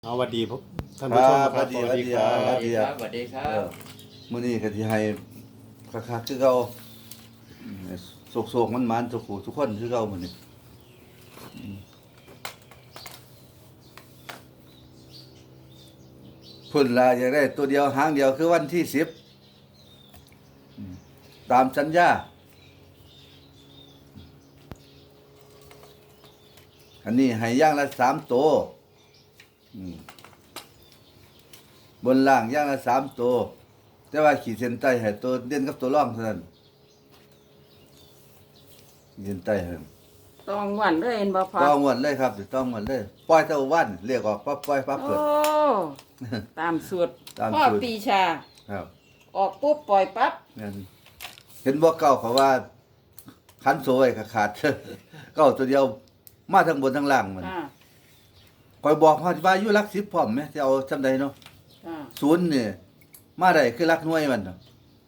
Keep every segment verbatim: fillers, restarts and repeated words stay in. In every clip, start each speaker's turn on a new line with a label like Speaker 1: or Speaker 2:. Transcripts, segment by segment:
Speaker 1: เอาสวัสดีพวกท่าน
Speaker 2: ค
Speaker 1: ผู้
Speaker 2: รั
Speaker 1: ชม
Speaker 2: บ
Speaker 1: ครับ
Speaker 2: สวัสดีครับ
Speaker 3: สวัสดีครับสวัสดีครั
Speaker 2: เอบ อมื้อนี้ก็สิให้คักๆคือเก่าโศกๆมันๆทุกผู้ทุกคนคือเก่ามื้อนี้อืมเพิ่นล่ะอยากได้ตัวเดียวหางเดียวคือวันที่สิบอืมตามสัญญาอันนี้ให้อย่างละสามตัวอืมบนล่างอย่างละสามตัวแต่ว่าขีดเส้นใต้ให้ตัวเด่นกับตัวร่องเท่านั้นขีดเส้นใต้ให้
Speaker 4: ต้องหวันเลยเห็นบ่พอ
Speaker 2: ต้องหมดเลยครับต้องหมดเลยปล่อยเท่าวันเรียกออกปั๊บปล่อยปั๊บ
Speaker 4: โอ้
Speaker 2: เปิด
Speaker 4: ตามสูตร
Speaker 2: ตาม
Speaker 4: พ่อ
Speaker 2: สูตร
Speaker 4: ปีชา
Speaker 2: ครับ
Speaker 4: ออกปุ๊บปล่อยปั๊บ
Speaker 2: นั่นเห็นบ่เก่าเขาว่าขันโซ่ไว้ก็ขาด เก้าตัวเดียวมาทั้งบนทั้งล่างมัน
Speaker 4: อ่า
Speaker 2: คอยบอกว่าว่าอยู่หลักสิบพร้อมไหมจะเอาจำใดเนาะ
Speaker 4: อ่า
Speaker 2: ศูนย์นี่มาได้คือหลักหน่วยมันเนาะ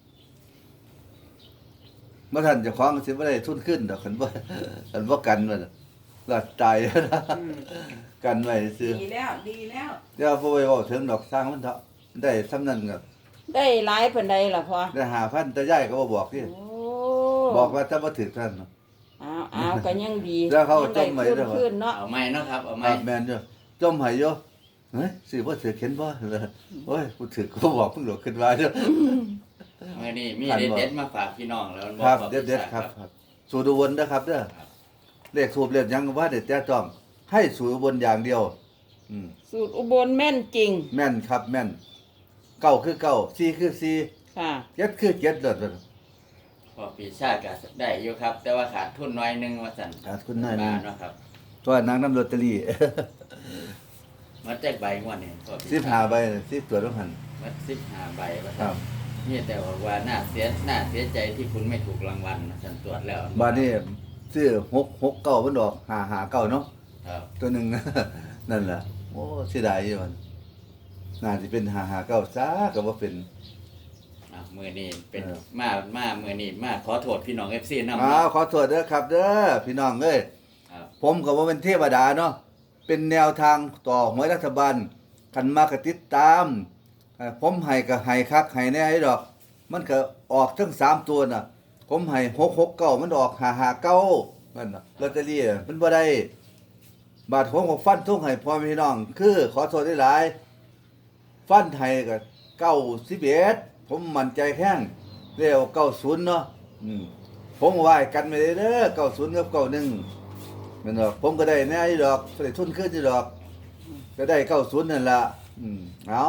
Speaker 2: เมื่อท่านเจะคล้าของสิบ่ได้ทุนขึ้นดอกคันบ่ คันบ่กันมันน่ะก็ตายแล้วนะ
Speaker 4: อืม
Speaker 2: กันไว้ซื่อ
Speaker 4: ดีแล้วดีแล้ว
Speaker 2: เดี๋ยวพอไปเว้าถึงดอกสร้างมันเถอะได้ซำนั้นก็
Speaker 4: ได้หลายปานใดล่ะพ่อ
Speaker 2: ได้ห้าพันแต่ยายก็บ่บอกที่
Speaker 4: โอ้
Speaker 2: บอกว่าถ้าบ่ถึกท่านเนาะ
Speaker 4: อ้าวอ้าวก็ยังดี
Speaker 2: แล้วเขา
Speaker 4: ยัง
Speaker 2: จ
Speaker 4: ได้
Speaker 2: มไว้
Speaker 4: ขึ้น
Speaker 2: ด้วยเหรอ
Speaker 4: ขึ้นเนาะ
Speaker 3: เอาไม้เนาะครับเอา
Speaker 2: ค
Speaker 3: ไม้
Speaker 2: รับแม่นอยู่จมให้อยู่เฮ้ยสิบ่ถึกเห็นบ่โอ้ยกูถึกก็บอกเพิ่งหลอกขึ้นมาเด้อ
Speaker 3: เมื่อนี้มี
Speaker 2: ขันบ่
Speaker 3: เด็ดๆมาฝากพี่น้องแล้วมัน
Speaker 2: ครับ
Speaker 3: อก
Speaker 2: เด็ดๆครับครับสูตรอุบลนะครับเด้อเลขสูบเลขหยังก็ว่าเด็ดแต่จ้องให้สูตรอุบลอย่างเดียวอืม
Speaker 4: สูตรอุบลแม่นจริง
Speaker 2: แม่นครับแม่นเก้าคือเก้าสี่คือสี่
Speaker 4: ค่ะ
Speaker 2: เจ็ดคือเจ็ดเด้อ
Speaker 3: พอปีชาติก็ได้อยู่ครับ แต่ว่าขาดทุนน้อยหนึงว่าสั่น
Speaker 2: ขาดทุนน้อยหนึ่ง
Speaker 3: บาทเนาะครับ
Speaker 2: ตัวนางน้ำลอตเตอรี่
Speaker 3: มาแจกใบงวดนี่พอปี
Speaker 2: สิบห้าใบสิบตัวต้องหัน
Speaker 3: มาสิบห้าใบว่า
Speaker 2: ครั
Speaker 3: สั่
Speaker 2: บ
Speaker 3: นนี่แต่ว่าน่าเสียน่าเสียใจที่คุณไม่ถูกรางวัลนะสั่นตรวจแล้ว
Speaker 2: บาดนี้ซื้อหก หกเก้ามันดอกห้า ห้าเก้าเนาะ
Speaker 3: ครับ
Speaker 2: ตัวหนึ่ง นั่นแหละโอ้เสียดายอยู่มันน่าจะเป็นหาหาเก้าซาก็ว่าเป็น
Speaker 3: อ่ะมือนี้เป็น
Speaker 2: เออ
Speaker 3: มามามือนี้มาขอโทษพี่น้อง เอฟ ซี นำ
Speaker 2: อ้าวขอโทษเด้อครับเด้อพี่น้องเอ้ย
Speaker 3: ครับ
Speaker 2: ผมก็บ่เป็นเทวดาเนาะเป็นแนวทางต่อหวยรัฐบาลกันมากติดตามเอ่อผมให้ก็ให้คักให้แน่ให้ดอก มันก็ออกทั้งสามตัวน่ะ ผมให้หก หกเก้ามันออกห้า ห้าเก้านั่นน่ะลอตเตอรี่น่ะมันบ่ได้บาทผมก็ฟันทุ่งให้พ่อแม่พี่น้อง คือขอโทษได้หลาย ฟันไทยก็เก้าสิบเอ็ดผมมั่นใจแข้งเรียกเก้าศูนย์เนาะอืมผมไหวกันไม่ได้เด้อเก้าศูนย์กับเก้าหนึ่งแม่นดอกผมก็ได้แน่อยู่ดอกได้ทุนขึ้นอยู่ดอก ก็ได้เก้าศูนย์นั่นล่ะอืมเอา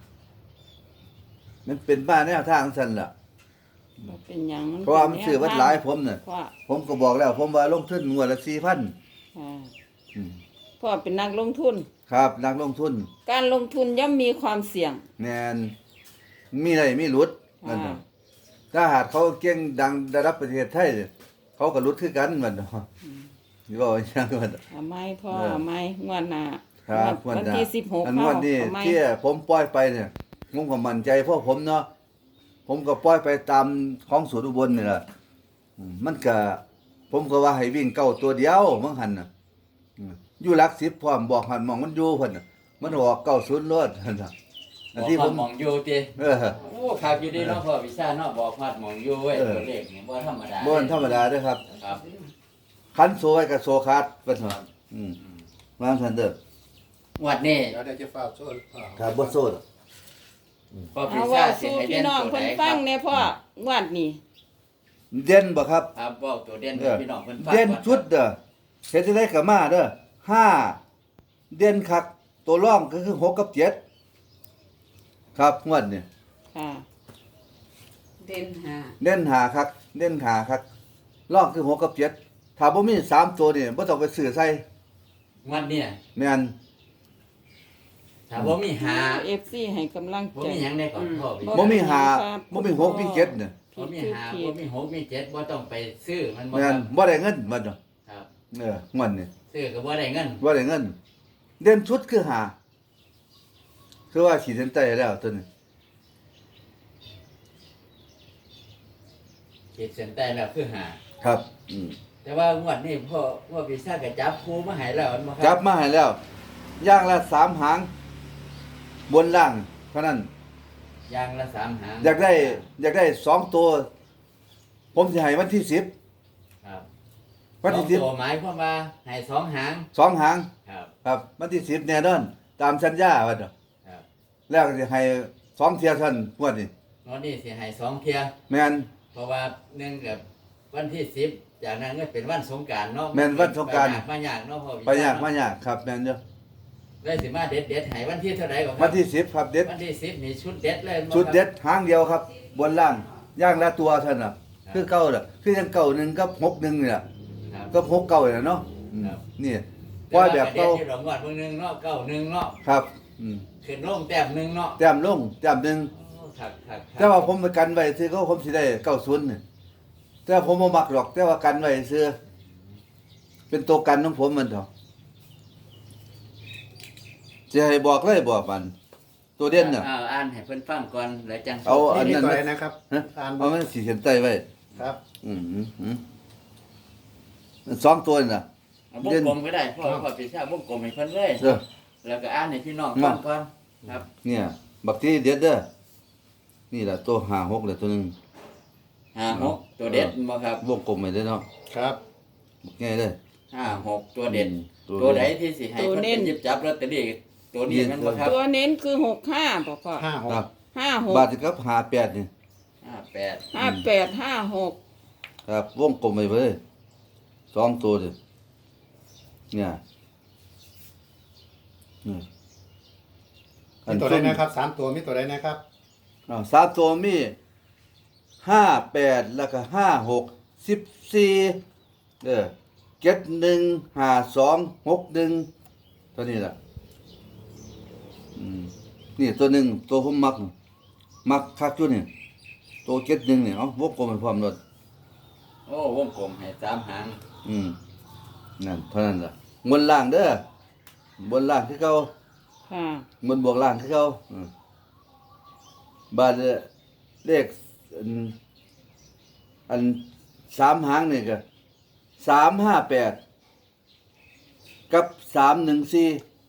Speaker 2: มันเป็นบ้านแนวทางสั่นล่ะ
Speaker 4: บ่เป็นหยัง
Speaker 2: เพราะว่ามันซื้อวัดหลายผมน่ะ
Speaker 4: พ่อ
Speaker 2: ผมก็บอกแล้ว ผมว่าลงทุนงวดละสี่พัน
Speaker 4: อ่า
Speaker 2: อืม
Speaker 4: พ่อเป็นนักลงทุน
Speaker 2: ครับนักลงทุน
Speaker 4: การลงทุนย่อมมีความเสี่ยง
Speaker 2: แน่นมีอะไรมีหลุดนั่นน่ะ ถ้าหากเขาเก่งดังระดับประเทศไทยเนี่ยเขาก็รุดคือกันมันเนาะนี่ว่าอย่างนั้นมัน
Speaker 4: เอาไหม้พ่อ
Speaker 2: เออ
Speaker 4: เอาไหม้งวดหน้า
Speaker 2: ครับ
Speaker 4: วันที่สิบหก
Speaker 2: อัน
Speaker 4: เข้า
Speaker 2: วันนี้
Speaker 4: เอาไหม้
Speaker 2: ที่ผมปล่อยไปเนี่ยผมก็มั่นใจเพราะผมเนาะผมก็ปล่อยไปตามของสวนอุบลนี่แหละอืมมันก็ผมก็ว่าให้วิ่งเก้าตัวเดียวมังหันน่ะอืมอยู่หลักสิบพร้อมบอกหันมองมันอยู่เพิ่นน่ะมันออกเก้าศูนย์รถนั่นน่ะอันที่ผม
Speaker 3: บอกฮอดหมองอยู่ติ
Speaker 2: เออ
Speaker 3: โอ้ครับอยู่ดีเนาะพ่อวิชาเนาะบอกฮอดหมองอยู่เว้ย
Speaker 2: เออ
Speaker 3: ตัวเลขนี่บ่ธรรมดา
Speaker 2: บ่ธรรมดาเด้อครับ
Speaker 3: ครับ
Speaker 2: คันโซไว้กับโซคัดเพิ่นว่าอืมวางซั่นเด้อ
Speaker 3: งวดนี้
Speaker 1: เดี๋ยวได้จะฝากโซ่
Speaker 2: ครับบ่โซด
Speaker 3: พ่อวิ
Speaker 4: เอา
Speaker 3: ชา
Speaker 4: ว่า
Speaker 3: สิ
Speaker 4: สู้
Speaker 3: ให้
Speaker 4: พี่
Speaker 3: เด่น
Speaker 4: น้อง
Speaker 3: ตัว
Speaker 4: เพิ่น
Speaker 3: ใดค
Speaker 4: ฟั
Speaker 3: รั
Speaker 4: ง
Speaker 3: บ
Speaker 4: แน่พ่องวดนี้
Speaker 2: เด่นบ่ครับ
Speaker 3: ครับบอกตัวเด่น
Speaker 2: เอ
Speaker 3: ให้
Speaker 2: อ
Speaker 3: พี่น้องเพิ่นฟัง
Speaker 2: เด่น
Speaker 3: ก่อ
Speaker 2: ชุดเด้อเฮ็ดจังได๋ก็มาเด้อห้าเด่นคักตัวรองก็คือหกกับเจ็ดครับงวดนี่
Speaker 4: ค่ะ
Speaker 5: เด่นหา
Speaker 2: เด่นหาคักเด่นหาคักรองคือหกกับเจ็ดถ้าบ่มีสามตัวนี่บ่ต้องไปซื้อใส่
Speaker 3: งวดเนี่ย
Speaker 2: แม่น
Speaker 3: ถ้าบ่มีหา
Speaker 4: เอฟซีให้กำลัง
Speaker 3: บ่
Speaker 4: ใจ
Speaker 3: มีหยังได้ก่อนพ่อวิ
Speaker 2: บ่
Speaker 3: ชา
Speaker 2: มีหา
Speaker 4: ครับ
Speaker 2: บ่มีหกมีเจ็ดเนี่ย
Speaker 3: บ่มีหาบ่มีหกมีเจ็ดบ่ต้องไปซื้อมันบ่
Speaker 2: แม่
Speaker 3: คน รับ
Speaker 2: บ่ได้เงินมันเนาะ
Speaker 3: ครับ
Speaker 2: เอองวดนี่
Speaker 3: ซื้อก็บ่ได้เงิน
Speaker 2: บ่ได้เงิน เด่นชุดคือหาคือว่าขีดเส้นใต้แล้วตัวนี้
Speaker 3: ขีดเส้นใต้แล้วคือหา
Speaker 2: ครับอืม
Speaker 3: แต่ว่างวดนี้พ่อพ่อวิชาก็จับครูมาให้แล้วมันบ่ค
Speaker 2: จั
Speaker 3: รั
Speaker 2: บมาให้แล้ว ย่างละสามหางบนล่างเท่านั้น
Speaker 3: ยางละสามหาง
Speaker 2: อยากได้ อยากได้สองตัว ผมสิให้วันที่สิบ
Speaker 3: ครับ
Speaker 2: วันที่
Speaker 3: ส
Speaker 2: สิ
Speaker 3: อบ งตัวหมายความว่าให้สองหาง
Speaker 2: สองหาง
Speaker 3: ครับ
Speaker 2: ครับวันที่สิบแน่นอน ตามสัญญาว่าเด้อ
Speaker 3: ครับ
Speaker 2: แล้วก็สิให้สองเที่ยเท่านงวดนี้
Speaker 3: งวดนี้สิให้สองเที่ย
Speaker 2: แม่น
Speaker 3: เพราะว่าเนื่องกับวันที่สิบจากนั้นก็เป็นวันสงกรานต์เนาะ
Speaker 2: แม่นวันสงกรานต์
Speaker 3: ไปยากเนาะพ่อ
Speaker 2: ไปยากมายากครับแม่นเด้อ
Speaker 3: ได้สิมาเด็ดเด็ดๆให้วันที่เท่าไหร่ก่อนค
Speaker 2: วั
Speaker 3: รั
Speaker 2: นที่สิบครับเด็ด
Speaker 3: วันที่สิบนี่ชุดเด็ดเลยบ่ครับ
Speaker 2: ชุดเด็ดหางเดียวครับ บนล่างย่างละตัวเท่านั้นน่ะ คือเก่าล่ะคือยังเก่าหนึ่งกับหกหนึ่งนี่ล่ะ
Speaker 3: ครับ
Speaker 2: ก็หกเก่าน่ะเนาะอืม
Speaker 3: ครับ
Speaker 2: นี่
Speaker 3: แต่
Speaker 2: ว่า
Speaker 3: ว่า
Speaker 2: แบบ
Speaker 3: เก่า
Speaker 2: เก่า
Speaker 3: ที่ดอกงวดเบิ่งหนึงเนาะเก้าหนึ่งเนาะ
Speaker 2: ครับอืม
Speaker 3: ขึ้นลงแต้มหนึ่งเนาะ
Speaker 2: แต้มลงแต้มหนึ่ง
Speaker 3: โอ้ครับครับครับ
Speaker 2: แต่ว่าผมไปกันไว้ซื้อก็ผมสิได้เก้าศูนย์นี่แต่ว่าผมบ่มักหรอก แต่ว่ากันไว้ซื้อเป็นตัวกันของผมมันเถอะจะให้บอกเลยบอกมัน ตัวเด่นน่ะ
Speaker 3: อาอ่านให้เพิ่นฟังก่อนแล้วจัง
Speaker 2: เอาอัน
Speaker 1: นี่
Speaker 2: นั้น
Speaker 1: ตัว
Speaker 2: มา
Speaker 1: ไหนนะครับ
Speaker 2: ฮะ
Speaker 1: อ่าน
Speaker 2: เอามันสีเขียนใต้ไว้
Speaker 1: ครับ
Speaker 2: อืมอืมอืมสองตัวนี่น่ะ
Speaker 3: เอาวงกลมก็ได้พ่อพ่อปีชาวงกลมให้เพิ่นเลย
Speaker 2: เออ
Speaker 3: แล้วก็อ่านให้พี่น้องฟังก่อนครับ
Speaker 2: เนี่ย บักที่เด็ดเด้อนี่แหละตัวห้าหกเลยตัวหนึง
Speaker 3: ห้าหกตัวเด็ดบ่ครับ
Speaker 2: วงกลมไปเลยเนาะ
Speaker 1: ครับ
Speaker 2: บักง่ายเลย
Speaker 3: ห้าหกตัวเด็ด
Speaker 2: ตัว
Speaker 3: ตัว
Speaker 2: เด่น
Speaker 3: ใดที่สิให้เพิ่นไปหยิบจับลอตเตอรี่ตัวนี้แมันบ่ครับ
Speaker 4: ตัวเน้นคือหกห้าบ่พ่อ
Speaker 1: ห้าหก
Speaker 2: ครับ
Speaker 4: ห้าหก
Speaker 2: บาทสิครับห้าแปดนี่
Speaker 3: ห้าแปด
Speaker 4: ห้าแปดห้าหก
Speaker 2: ครับ วงกลมไปเลยสองตัวเลยเนี่ยนี่
Speaker 1: มีตัวไหนนะครับสามตัวมีตัวไหนนะครับ
Speaker 2: อ้าวสามตัวมีห้าแปดแล้วก็ห้าหกสิบสี่เออเจ็ดหนึ่งห้าสองหกหนึ่งตัวนี้แหละอืมนี่ตัวหนึ่งตัวผมมัก มักคักจุดนี่ตัวเจ็ดหนึ่งเนี่ยเอาวงกลมไปพร้อมรถ
Speaker 3: โอ้วงกลมให้สามหาง
Speaker 2: อืมนั่นเท่านั้นล่ะบนล่างเด้อบนล่างคือเก่า
Speaker 4: ค่ะ
Speaker 2: บนบวกล่างคือเก่าอืมบาทเลขอันอันสามหางนี่ก็สามห้าแปดกับสามหนึ่งสี่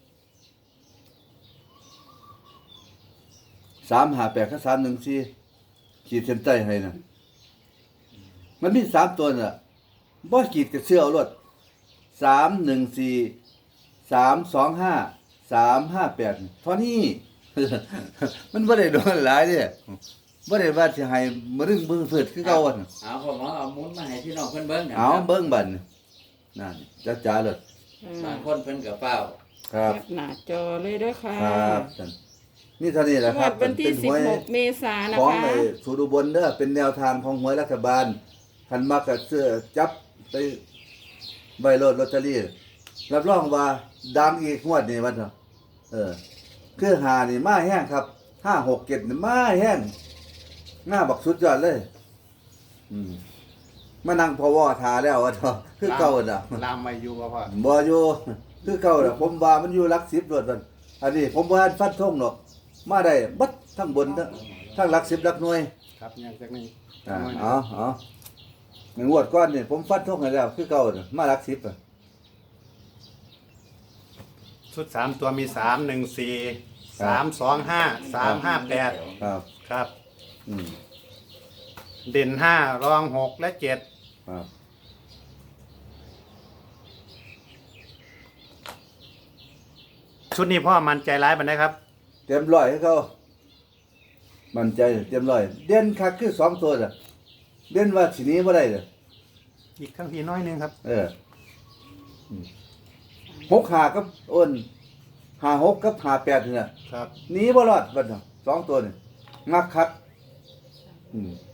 Speaker 2: สามห้าแปดกับสามหนึ่งสี่ขีดเส้นใต้ให้นะมันมีสามตัวน่ะบ่ขีดกับเสื้อเอารถสามหนึ่งสี่สามสองห้าสามห้าแปดเท่านี้ มันบ่ได้โดนหลายเด้บ่ได้ว่าสิให้มรึงมือฝืดคือเก่าอะน่ะ
Speaker 3: เอาพ่อหมอเอาหมุนมาให้พี่น้องเพิ่นเบิ่งนะ
Speaker 2: เอา
Speaker 3: ครับ
Speaker 2: เบิ่งบัดนั่นจ้าจ๋าเลย
Speaker 4: อืม
Speaker 3: บางคนเพิ่นก็เฝ้า
Speaker 2: ครับ
Speaker 4: แคปหน้าจอเลยเด้วยค่ะ
Speaker 2: ครับนั่นนี่เท่านี้แหละ
Speaker 4: ง
Speaker 2: คว รั
Speaker 4: ด
Speaker 2: บ
Speaker 4: วันที่
Speaker 2: เป็
Speaker 4: สิ
Speaker 2: ห
Speaker 4: บ
Speaker 2: วย
Speaker 4: หกเมษายนนะ
Speaker 2: ของ
Speaker 4: คะ
Speaker 2: ไอ้สูตรอุบลเด้อเป็นแนวทางของหวยรัฐบาลคันมักก็เสื้อจับไปใบโลดลอตเตอรี่รับรองว่าดังอีกงวดนี้วันเนาะเออ คือหานี่มาแห้งครับห้าหกเจ็ดนี่มาแห้งหน้าบักสุดยอดเลย อืมมานั่งพอวอทาแล้วว่าเนาะคือเก่าน่ะ
Speaker 1: ลามไม่อยู่บ่พ่อ
Speaker 2: บ่อยู่คือเก่าน่ะผมว่ามันอยู่หลักสิบรวดมันอันนี้ผมบ่ทันฟันธงหรอกมาได้บัดทั้งบนทั้งทั้งหลักสิบหลักหน่วย
Speaker 1: ครับยังจากนี้
Speaker 2: อ่าเอาเอาในงวดก้อนนี่ผมฟันธงให้แล้วคือเก่าน่ะมาหลักสิบอ่ะ
Speaker 1: ชุดสามตัวมีสามหนึ่งสี่สามสองห้าสามห้าแปด
Speaker 2: ครับ
Speaker 1: ครับ
Speaker 2: อืม
Speaker 1: เด่นห้ารองหกและเจ็ด
Speaker 2: ครับ
Speaker 1: ชุดนี้พ่อมันใจร้ายมันนะครับ
Speaker 2: เต็มร้อยให้เขามั่นใจเต็มร้อยเด่นคักคือสองตัวน่ะเด่นว่าสิหนี้บ่ได้เด้อ
Speaker 1: อีกครั้งทีน้อยหนึงครับ
Speaker 2: เอออืมหกหากับอ้นหาหกกับหาแปดนี่น่ะ
Speaker 1: ครับ
Speaker 2: หนีบ่รอดบัดน่ะสองตัวนี่งักคักอืม